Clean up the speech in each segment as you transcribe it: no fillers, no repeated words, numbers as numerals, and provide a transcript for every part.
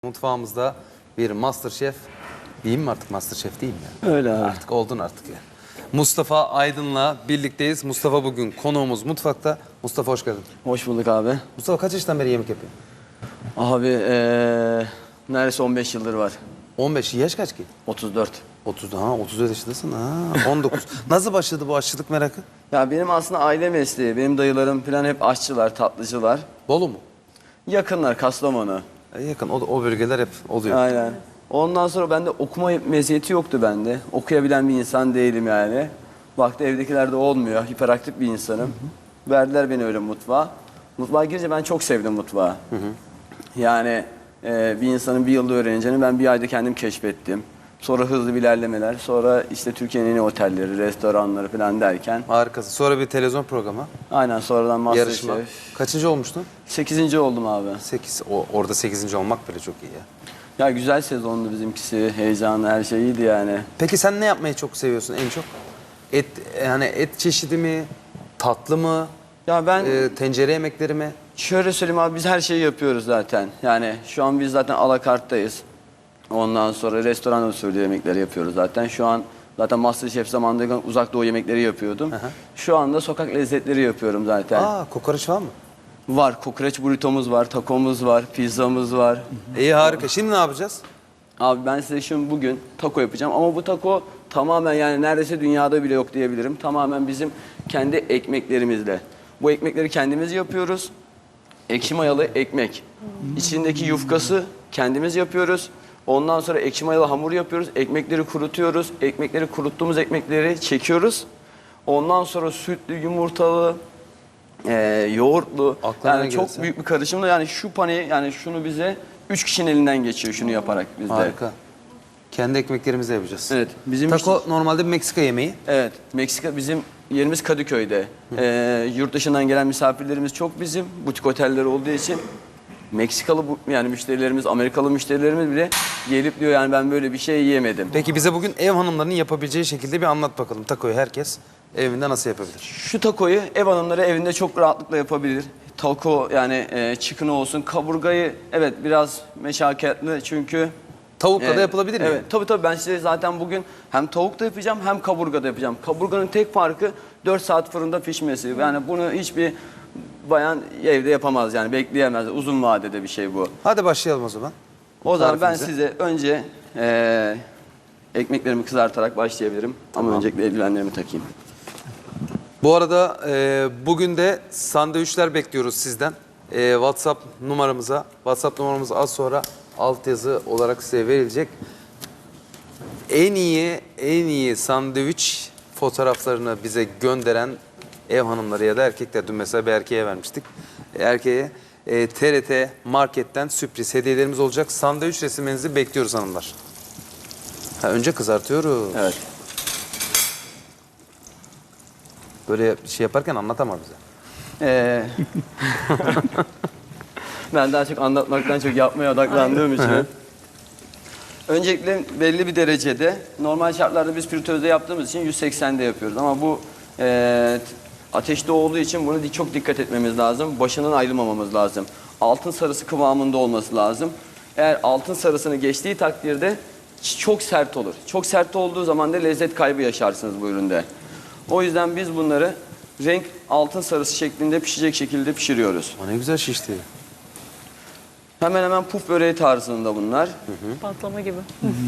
Mutfağımızda bir MasterChef diyeyim mi artık, MasterChef değil mi ya? Öyle abi. Artık oldun artık ya. Mustafa Aydın'la birlikteyiz. Mustafa bugün konuğumuz mutfakta. Mustafa hoş geldin. Hoş bulduk abi. Mustafa kaç yaştan beri yemek yapıyor? Abi neredeyse 15 yıldır var. 15. Yaş kaç ki? 34. 30. 34 yaşındasın. 19. Nasıl başladı bu aşçılık merakı? Ya benim aslında aile mesleği. Benim dayılarım falan hep aşçılar, tatlıcılar. Bolu mu? Yakınlar, Kastamonu. Yakın. O bölgeler hep oluyor. Aynen. Ondan sonra bende okuma meziyeti yoktu bende. Okuyabilen bir insan değilim yani. Baktı evdekilerde olmuyor. Hiperaktif bir insanım. Verdiler beni öyle mutfağa. Mutfağa girince ben çok sevdim mutfağı. Yani bir insanın bir yılda öğreneceğini ben bir ayda kendim keşfettim. Sonra hızlı bir ilerlemeler. Sonra işte Türkiye'nin en iyi otelleri, restoranları falan derken. Harikasın. Sonra bir televizyon programı. Aynen sonradan Yarışma. MasterChef. Kaçıncı olmuştun? 8. oldum abi. 8. Orada 8. olmak bile çok iyi ya. Ya güzel sezondu bizimkisi. Heyecanlı, her şey iyiydi yani. Peki sen ne yapmayı çok seviyorsun en çok? Et, yani et çeşidi mi? Tatlı mı? Ya ben Tencere yemekleri mi? şöyle söyleyeyim abi, biz her şeyi yapıyoruz zaten. Yani şu an biz zaten alakarttayız. Ondan sonra restoran usulü yemekleri yapıyoruz zaten. Şu an zaten MasterChef zamanında uzak doğu yemekleri yapıyordum. Şu anda sokak lezzetleri yapıyorum zaten. Kokoreç var mı? Var, kokoreç burritomuz var, takomuz var, pizzamız var. İyi, harika. Şimdi ne yapacağız? Abi ben size şimdi bugün taco yapacağım ama bu taco tamamen yani neredeyse dünyada bile yok diyebilirim. Tamamen bizim kendi ekmeklerimizle. Bu ekmekleri kendimiz yapıyoruz. Ekşi mayalı ekmek. İçindeki yufkası kendimiz yapıyoruz. Ondan sonra ekşi mayalı hamur yapıyoruz. Ekmekleri kurutuyoruz. Ekmekleri kuruttuğumuz ekmekleri çekiyoruz. Ondan sonra sütlü, yumurtalı, yoğurtlu. Aklına ne Yani çok gelirse. büyük bir karışımla yani şu paneyi yani şunu bize 3 kişinin elinden geçiyor şunu yaparak bizde. Harika. Kendi ekmeklerimizi yapacağız. Evet. Bizim Taco normalde bir Meksika yemeği. Evet. Meksika bizim yerimiz Kadıköy'de. Yurt dışından gelen misafirlerimiz çok bizim. Butik oteller olduğu için. Meksikalı yani müşterilerimiz, Amerikalı müşterilerimiz bile gelip diyor yani ben böyle bir şey yiyemedim. Peki bize bugün ev hanımlarının yapabileceği şekilde bir anlat bakalım. Taco'yu herkes evinde nasıl yapabilir? Şu takoyu ev hanımları evinde çok rahatlıkla yapabilir. Taco yani chicken olsun, kaburgayı evet biraz meşakkatli çünkü Tavukla da yapılabilir mi? Evet, tabii ben size zaten bugün hem tavuk da yapacağım hem kaburga da yapacağım. Kaburganın tek farkı 4 saat fırında pişmesi. Yani bunu hiçbir bayan evde yapamaz yani bekleyemez. Uzun vadede bir şey bu. Hadi başlayalım o zaman. O zaman ben Tarifimize. size önce ekmeklerimi kızartarak başlayabilirim. Ama öncelikle eldivenlerimi takayım. Bu arada bugün de sandviçler bekliyoruz sizden. WhatsApp numaramız az sonra altyazı olarak size verilecek. En iyi sandviç fotoğraflarını bize gönderen ev hanımları ya da erkekler. Dün mesela bir erkeğe vermiştik. Erkeğe TRT Market'ten sürpriz hediyelerimiz olacak. Sandviç resimlerinizi bekliyoruz hanımlar. Önce kızartıyoruz. Evet. Böyle bir şey yaparken anlatamaz bize. Ben daha çok anlatmaktan çok yapmaya odaklandığım için. Öncelikle belli bir derecede normal şartlarda biz fritözde yaptığımız için 180'de yapıyoruz. Ama bu ateşte olduğu için bunu çok dikkat etmemiz lazım. Başından ayrılmamamız lazım. Altın sarısı kıvamında olması lazım. Eğer altın sarısını geçtiği takdirde çok sert olur. Çok sert olduğu zaman da lezzet kaybı yaşarsınız bu üründe. O yüzden biz bunları renk altın sarısı şeklinde pişecek şekilde pişiriyoruz. O ne güzel şişti. Hemen hemen puf böreği tarzında bunlar. Patlama gibi.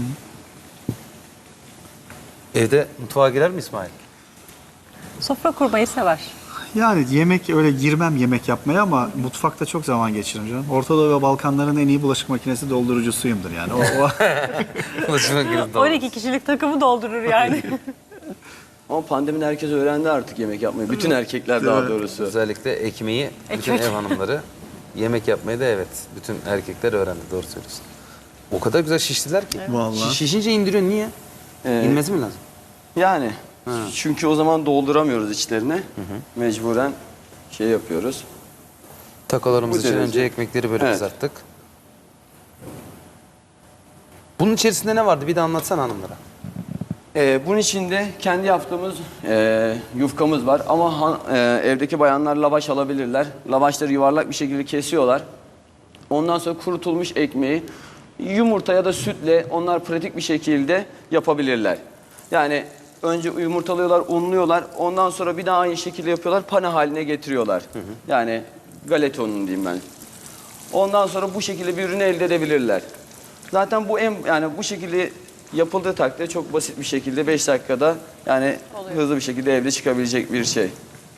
Evde mutfağa girer mi İsmail? Sofra kurmayı sever. Yani yemek öyle girmem yemek yapmaya ama mutfakta çok zaman geçiririm canım. Orta Doğu ve Balkanların en iyi bulaşık makinesi doldurucusuyumdur yani. Ulaşıma girdi. 12 kişilik takımı doldurur yani. Ama pandemide herkes öğrendi artık yemek yapmayı. Bütün erkekler daha doğrusu. Özellikle ekmeği bütün Ekmek. ev hanımları yemek yapmayı da evet bütün erkekler öğrendi, doğru söylüyorsun. O kadar güzel şiştiler ki. Vallahi. Şişince indiriyor, niye? İnmesi mi lazım? Yani çünkü o zaman dolduramıyoruz içlerine. Mecburen şey yapıyoruz. Takolarımız Bu için derece. önce ekmekleri böyle Evet. kızarttık. Bunun içerisinde ne vardı? Bir de anlatsana hanımlara. Bunun içinde kendi yaptığımız yufkamız var ama evdeki bayanlar lavaş alabilirler. Lavaşları yuvarlak bir şekilde kesiyorlar. Ondan sonra kurutulmuş ekmeği yumurta ya da sütle onlar pratik bir şekilde yapabilirler. Yani önce yumurtalıyorlar, unluyorlar. Ondan sonra bir daha aynı şekilde yapıyorlar. Pane haline getiriyorlar. Yani galeta unu diyeyim ben. Ondan sonra bu şekilde bir ürünü elde edebilirler. Zaten bu yani bu şekilde yapıldığı takdirde çok basit bir şekilde 5 dakikada yani Oluyor. hızlı bir şekilde evde çıkabilecek bir şey.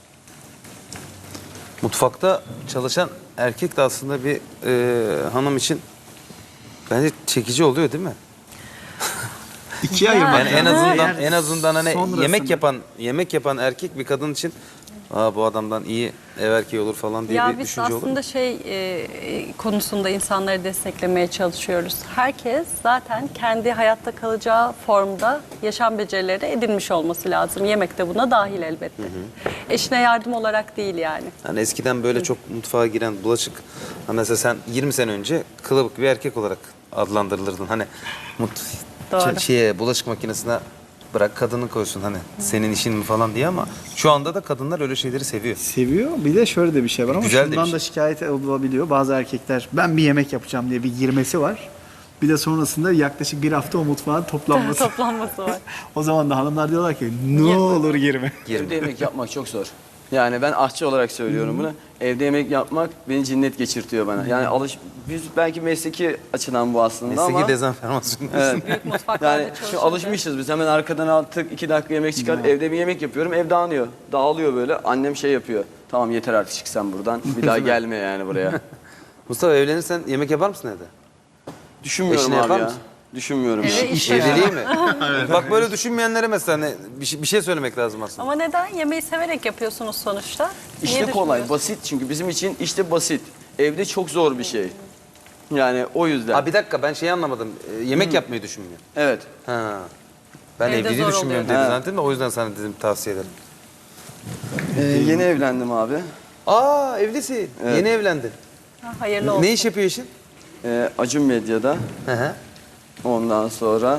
Mutfakta çalışan erkek de aslında bir hanım için bence çekici oluyor değil mi? İkiye ayırmak Yani en lazım. azından Eğer en azından hani sonrasında- yemek yapan erkek bir kadın için bu adamdan iyi ev erkeği olur falan diye Ya bir biz düşünce olur. aslında konusunda insanları desteklemeye çalışıyoruz. Herkes zaten kendi hayatta kalacağı formda yaşam becerileri edinmiş olması lazım. Yemek de buna dahil elbette. Eşine yardım olarak değil yani. Hani eskiden böyle çok mutfağa giren bulaşık hani mesela sen 20 sene önce kılıbık bir erkek olarak adlandırılırdın. Hani Doğru. bulaşık makinesine bırak kadını koysun hani senin işin mi falan diye ama şu anda da kadınlar öyle şeyleri seviyor. Seviyor. Bir de şöyle de bir şey var ama Güzel de bir şundan şey. da şikayet olabiliyor. Bazı erkekler ben bir yemek yapacağım diye bir girmesi var. Bir de sonrasında yaklaşık bir hafta o mutfağın toplanması. Toplanması var. O zaman da hanımlar diyorlar ki ne olur girme. Evde yemek yapmak çok zor. Yani ben aşçı olarak söylüyorum bunu. Evde yemek yapmak beni cinnet geçirtiyor bana. Yani biz belki mesleki açıdan bu aslında Mesleki ama dezenformasyon. evet. Büyük mutfaklarda Yani çalışınca. şimdi alışmışız biz. Hemen arkadan altık 2 dakika yemek çıkar. Evde bir yemek yapıyorum. Ev dağınıyor. Dağılıyor böyle. Annem şey yapıyor. Tamam yeter artık çık sen buradan. Bir daha gelme yani buraya. Mustafa evlenirsen yemek yapar mısın evde? Düşünmüyorum Eşine abi yapar ya. mısın? Düşünmüyorum. Eve ya. iş Evliliği mi? Bak böyle düşünmeyenlere mesela hani bir şey söylemek lazım aslında. Ama neden? Yemeği severek yapıyorsunuz sonuçta. Niye İşte kolay, düşünmüyorsunuz? basit çünkü bizim için işte basit. Evde çok zor bir şey. Yani o yüzden. Ha bir dakika ben şeyi anlamadım. Yemek yapmayı düşünmüyor. Evet. Ha. Ben Evde evliliği zor düşünmüyorum oluyor. dedi Ha. zannettim de o yüzden sana dedim tavsiye ederim. Yeni evlendim abi. Aa evlisin. Evet. Yeni evlendin. Ha, hayırlı olsun. Ne iş yapıyor eşin? Acun Medya'da. Hı hı. Ondan sonra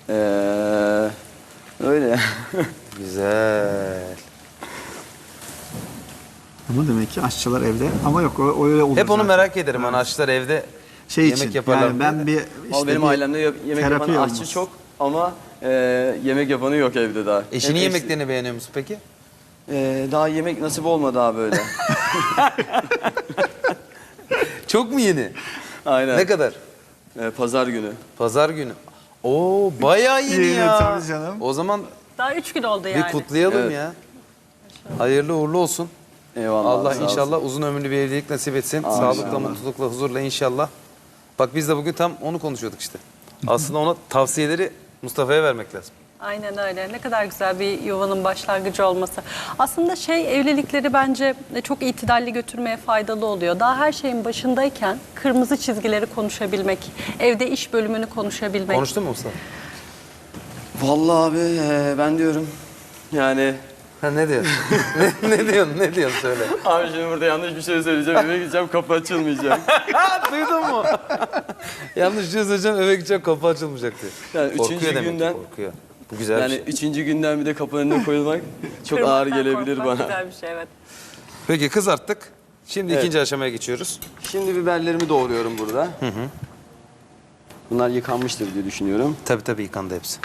öyle. Güzel. Ama demek ki aşçılar evde ama yok o öyle olur Hep onu zaten. merak ederim. Hani aşçılar evde Şey yemek için yaparlar. yani ben bir Ama benim bir ailemde yemek terapi yapan aşçı olması. çok ama yemek yapanı yok evde daha. Eşinin Hep yemeklerini beğeniyor musun peki? daha yemek nasip olmadı abi böyle. Çok mu yeni? Aynen. Ne kadar? Pazar günü. Pazar günü. Oo bayağı yeni Yeni, ya. tabii canım. O zaman Daha 3 gün oldu bir yani. kutlayalım Evet. ya. Hayırlı uğurlu olsun. Eyvallah. Allah sağ olsun. inşallah uzun ömürlü bir evlilik nasip etsin. Amin. Sağlıkla, İnşallah. mutlulukla, huzurla inşallah. Bak biz de bugün tam onu konuşuyorduk işte. Aslında ona tavsiyeleri Mustafa'ya vermek lazım. Aynen öyle. Ne kadar güzel bir yuvanın başlangıcı olması. Aslında evlilikleri bence çok itidalli götürmeye faydalı oluyor. Daha her şeyin başındayken kırmızı çizgileri konuşabilmek, evde iş bölümünü konuşabilmek. Konuştun mu Mustafa? Vallahi abi ben diyorum yani Ha ne diyorsun? ne diyorsun söyle. abi şimdi burada yanlış bir şey söyleyeceğim. Eve gideceğim kapı açılmayacak. Duydun mu? Yanlış bir şey söyleyeceğim eve gideceğim kapı açılmayacak diyor. Yani Korkuyor üçüncü demek ki, günden korkuyor. Bu güzel yani bir şey. üçüncü günden bir de kapının önüne koyulmak çok ağır Kırmaktan gelebilir korkmak bana. Güzel bir şey evet. Peki kızarttık. Şimdi Evet. ikinci aşamaya geçiyoruz. Şimdi biberlerimi doğruyorum burada. Bunlar yıkanmıştır diye düşünüyorum. Tabii yıkandı hepsi.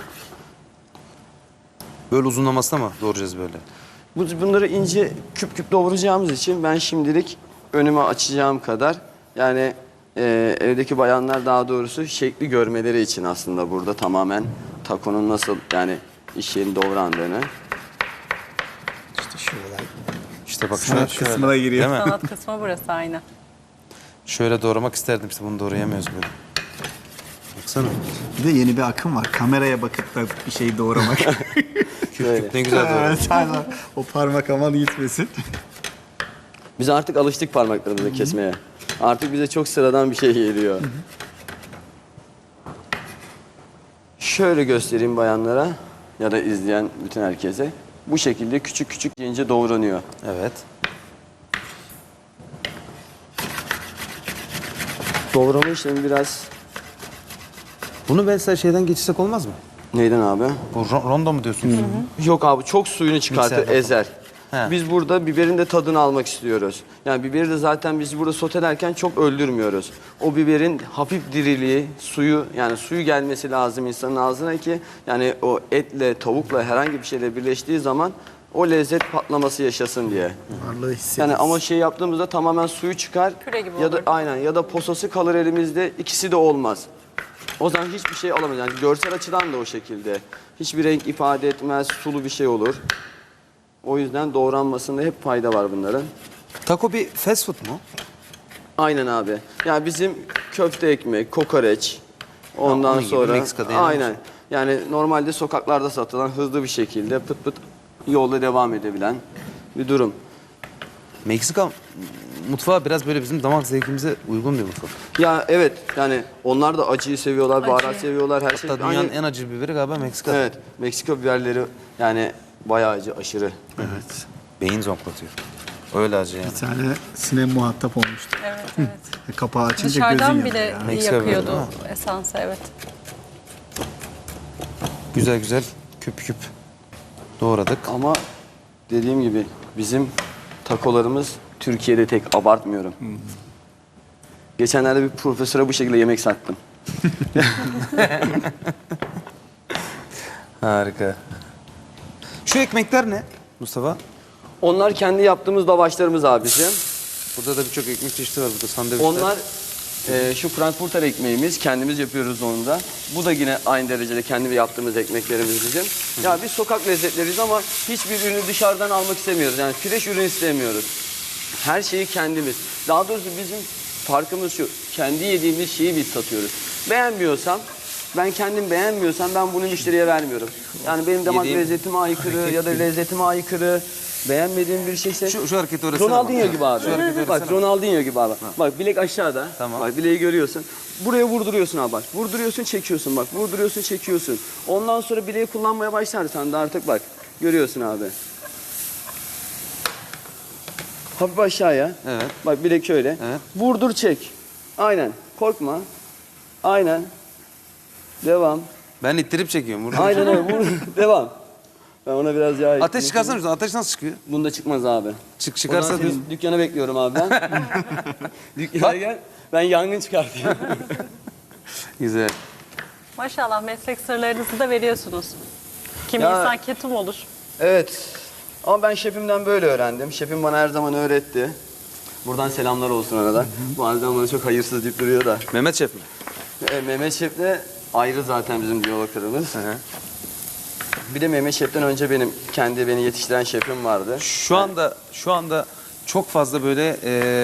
Böyle uzunlamasına mı doğrayacağız böyle? Bunları ince küp küp doğrayacağımız için ben şimdilik önüme açacağım kadar yani evdeki bayanlar daha doğrusu şekli görmeleri için aslında burada tamamen takonun nasıl yani iş yerinde doğrandığını. İşte şöyle. İşte bak Sanat şöyle, kısmına giriyor. Değil mi? Sanat kısmı burası aynen. Şöyle doğramak isterdim işte bunu doğrayamıyoruz böyle. Baksana. Bir de yeni bir akım var. Kameraya bakıp da bir şey doğramak. Böyle. Ne güzel doğru. Evet, aynen. O parmak aman gitmesin. Biz artık alıştık parmaklarımızı kesmeye. Artık bize çok sıradan bir şey geliyor. Şöyle göstereyim bayanlara ya da izleyen bütün herkese. Bu şekilde küçük küçük ince doğranıyor. Evet. Doğrama işlemi biraz Bunu mesela şeyden geçirsek olmaz mı? neyden abi? Bu rondo mu diyorsunuz? Yok abi çok suyunu çıkartır, Mikserden. ezer. He. Biz burada biberin de tadını almak istiyoruz. Yani biberi de zaten biz burada sotelerken çok öldürmüyoruz. O biberin hafif diriliği, suyu, yani suyu gelmesi lazım insanın ağzına ki yani o etle, tavukla herhangi bir şeyle birleştiği zaman o lezzet patlaması yaşasın diye. Varlığı hissediyoruz. Yani ama şey yaptığımızda tamamen suyu çıkar Püre gibi ya da olur. aynen ya da posası kalır elimizde, ikisi de olmaz. O zaman hiçbir şey alamayız. Yani görsel açıdan da o şekilde. Hiçbir renk ifade etmez, sulu bir şey olur. O yüzden doğranmasında hep fayda var bunların. Taco bir fast food mu? Aynen abi. Yani bizim köfte ekmek, kokoreç, ondan onun gibi sonra Meksika'da yani aynen. Yani normalde sokaklarda satılan hızlı bir şekilde pıt pıt yolda devam edebilen bir durum. Meksika mutfağı biraz böyle bizim damak zevkimize uygun bir mutfak. Ya evet, yani onlar da acıyı seviyorlar, baharat Acı. seviyorlar, her şey. Hatta dünyanın Aynı- en acı biberi galiba Meksika. Evet, Meksika biberleri yani bayağı acı, aşırı. Evet. Beyin zonklatıyor. Öyle acı yani. Bir tane Sinem muhatap olmuştu. Evet, evet. Kapağı açınca gözün Dışarıdan yanıyor bile ya. Meksika yakıyordu biberi, esansı, evet. Güzel güzel küp küp doğradık. Ama dediğim gibi bizim takolarımız Türkiye'de tek, abartmıyorum. Geçenlerde bir profesöre bu şekilde yemek sattım. Harika. Şu ekmekler ne Mustafa? Onlar kendi yaptığımız lavaşlarımız abi bizim. Burada da birçok ekmek çeşidi var burada sandviçler. Onlar şu Frankfurter ekmeğimiz, kendimiz yapıyoruz onu da. Bu da yine aynı derecede kendi yaptığımız ekmeklerimiz bizim. Ya biz sokak lezzetleriyiz ama hiçbir ürünü dışarıdan almak istemiyoruz. Yani fresh ürün istemiyoruz. Her şeyi kendimiz. Daha doğrusu bizim farkımız şu. Kendi yediğimiz şeyi biz satıyoruz. Beğenmiyorsam, ben kendim beğenmiyorsam ben bunu müşteriye vermiyorum. Yani benim damak Yediğim lezzetime aykırı ya da lezzetime aykırı beğenmediğim bir şeyse Şu hareketi öğretsene Ronaldinho bak. gibi abi. Şu hareketi Bak öğretsene. Ronaldinho gibi abi. Bak bilek aşağıda. Tamam. Bak bileği görüyorsun. Buraya vurduruyorsun abi bak. Vurduruyorsun çekiyorsun bak. Vurduruyorsun çekiyorsun. Ondan sonra bileği kullanmaya başlarsan da artık bak. Görüyorsun abi. Hafif aşağıya. Evet. Bak bilek şöyle. Evet. Vurdur çek. Aynen. Korkma. Aynen. Devam. Ben ittirip çekiyorum. Burada. Aynen öyle. Vur. Devam. Ben ona biraz yağ Ateş ekledim. çıkarsana şuradan. Ateş nasıl çıkıyor? Bunda çıkmaz abi. Çıkarsa O zaman seni dükkana bekliyorum abi ben. Dükkana gel. Ben yangın çıkartayım. Güzel. Maşallah meslek sırlarınızı da veriyorsunuz. Kimi Ya- insan ketum olur. Evet. Ama ben şefimden böyle öğrendim. Şefim bana her zaman öğretti. Buradan selamlar olsun arada. Bazen bana çok hayırsız deyip duruyor da. Mehmet Şef mi? Mehmet Şef'le ayrı zaten bizim diyaloglarımız. Hı. Bir de Mehmet Şef'ten önce beni yetiştiren şefim vardı. Şu anda çok fazla böyle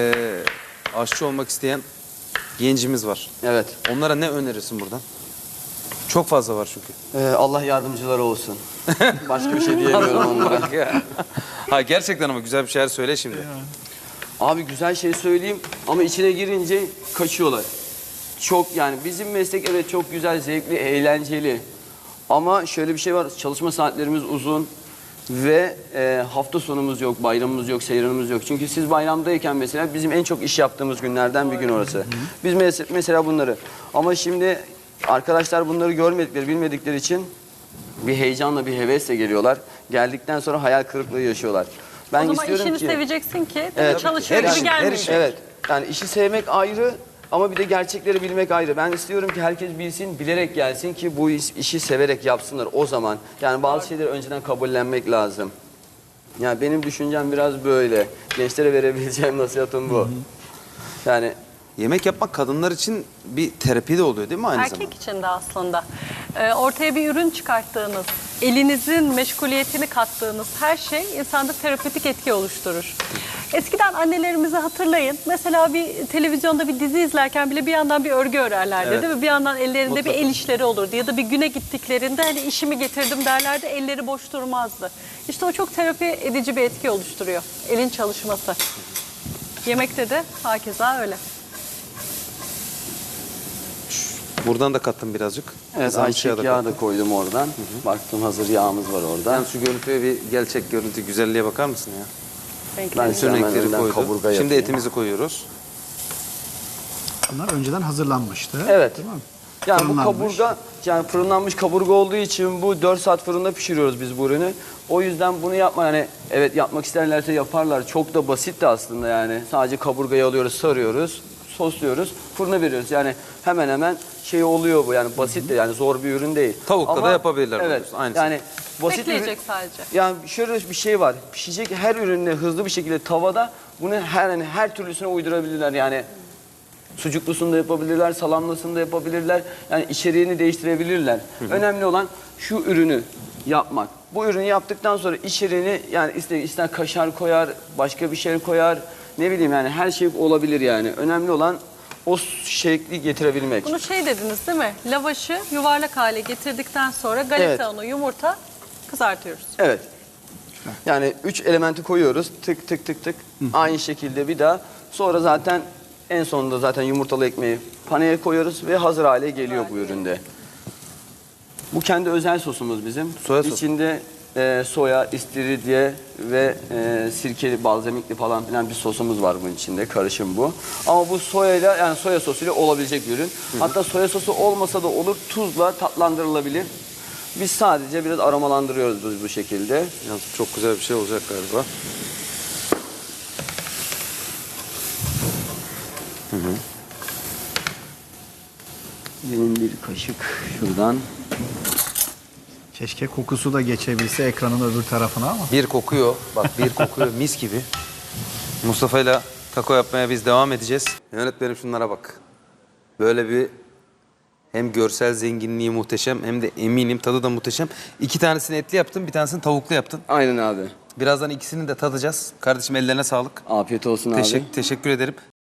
aşçı olmak isteyen gencimiz var. Evet. Onlara ne önerirsin buradan? Çok fazla var çünkü. Allah yardımcıları olsun. Başka bir şey diyemiyorum onlara. Ha gerçekten ama güzel bir şeyler söyle şimdi. Abi güzel şey söyleyeyim ama içine girince kaçıyorlar. Çok yani bizim meslek evet çok güzel, zevkli, eğlenceli. Ama şöyle bir şey var, çalışma saatlerimiz uzun ve hafta sonumuz yok, bayramımız yok, seyranımız yok. Çünkü siz bayramdayken mesela bizim en çok iş yaptığımız günlerden bir gün orası. Biz mesela bunları. Ama şimdi arkadaşlar bunları görmedikleri, bilmedikleri için bir heyecanla, bir hevesle geliyorlar. Geldikten sonra hayal kırıklığı yaşıyorlar. Ben O zaman istiyorum işini ki... seveceksin ki Evet. çalışıyor Her gibi işin- gelmeyecek. Evet. Yani işi sevmek ayrı ama bir de gerçekleri bilmek ayrı. Ben istiyorum ki herkes bilsin, bilerek gelsin ki bu işi severek yapsınlar o zaman. Yani bazı şeyleri önceden kabullenmek lazım. Yani benim düşüncem biraz böyle. Gençlere verebileceğim nasihatım bu. Yani Yemek yapmak kadınlar için bir terapi de oluyor değil mi aynı Erkek zamanda? için de aslında. Ortaya bir ürün çıkarttığınız, elinizin meşguliyetini kattığınız her şey insanda terapötik etki oluşturur. Eskiden annelerimizi hatırlayın. Mesela bir televizyonda bir dizi izlerken bile bir yandan bir örgü örerlerdi Evet. değil mi? Bir yandan ellerinde Mutlaka. bir el işleri olurdu. Ya da bir güne gittiklerinde hani işimi getirdim derlerdi, elleri boş durmazdı. İşte o çok terapi edici bir etki oluşturuyor. Elin çalışması. Yemekte de hakeza öyle. Buradan da kattım birazcık. evet, Kızarmış yağı da ayçiçek yağı kattım. da koydum oradan. Baktım hazır yağımız var orada. Yani şu görüntüye bir gerçek görüntü güzelliğe bakar mısın ya? Renkleri. Ben Bütün hemen renkleri önden koyduk. kaburga Şimdi yapayım. etimizi koyuyoruz. Bunlar önceden hazırlanmıştı. Evet. Değil mi? Yani bu Fırınlanmış. kaburga, yani fırınlanmış kaburga olduğu için bu 4 saat fırında pişiriyoruz biz bu ürünü. O yüzden bunu yapma, yani evet yapmak isterlerse yaparlar. Çok da basit de aslında yani. Sadece kaburgayı alıyoruz, sarıyoruz, sosluyoruz, fırına veriyoruz. Yani hemen hemen şey oluyor bu, yani basit de, yani zor bir ürün değil. Tavukla da yapabilirler Evet, diyorsun, aynısı. yani basit Bekleyecek sadece. Yani şöyle bir şey var. Pişecek her ürünle hızlı bir şekilde tavada bunu her türlüsüne uydurabilirler. Yani sucuklusunu da yapabilirler, salamlısını da yapabilirler. Yani içeriğini değiştirebilirler. Önemli olan şu ürünü yapmak. Bu ürünü yaptıktan sonra içeriğini, yani ister kaşar koyar, başka bir şey koyar. Ne bileyim, yani her şey olabilir yani. Önemli olan o şekli getirebilmek. Bunu şey dediniz değil mi? Lavaşı yuvarlak hale getirdikten sonra galeta Evet. unu, yumurta kızartıyoruz. Evet. Yani 3 elementi koyuyoruz. Tık tık tık tık. Aynı şekilde bir daha. Sonra zaten en sonunda zaten yumurtalı ekmeği paneye koyuyoruz ve hazır hale geliyor bu üründe. Bu kendi özel sosumuz bizim. Soya sosu. İçinde soya, istiridye ve sirkeli, balzamikli falan filan bir sosumuz var bunun içinde. Karışım bu. Ama bu soyayla, yani soya sosuyla olabilecek bir ürün. Hatta soya sosu olmasa da olur. Tuzla tatlandırılabilir. Biz sadece biraz aromalandırıyoruz biz bu şekilde. Yalnız çok güzel bir şey olacak galiba. Benim bir kaşık şuradan. Keşke kokusu da geçebilse ekranın öbür tarafına ama. Bir kokuyor. Bak bir kokuyor mis gibi. Mustafa'yla taco yapmaya biz devam edeceğiz. Yönetmenim şunlara bak. Böyle bir hem görsel zenginliği muhteşem hem de eminim tadı da muhteşem. 2 tanesini etli yaptın, bir tanesini tavuklu yaptın. Aynen abi. Birazdan ikisini de tadacağız. Kardeşim ellerine sağlık. Afiyet olsun abi. Teşekkür ederim.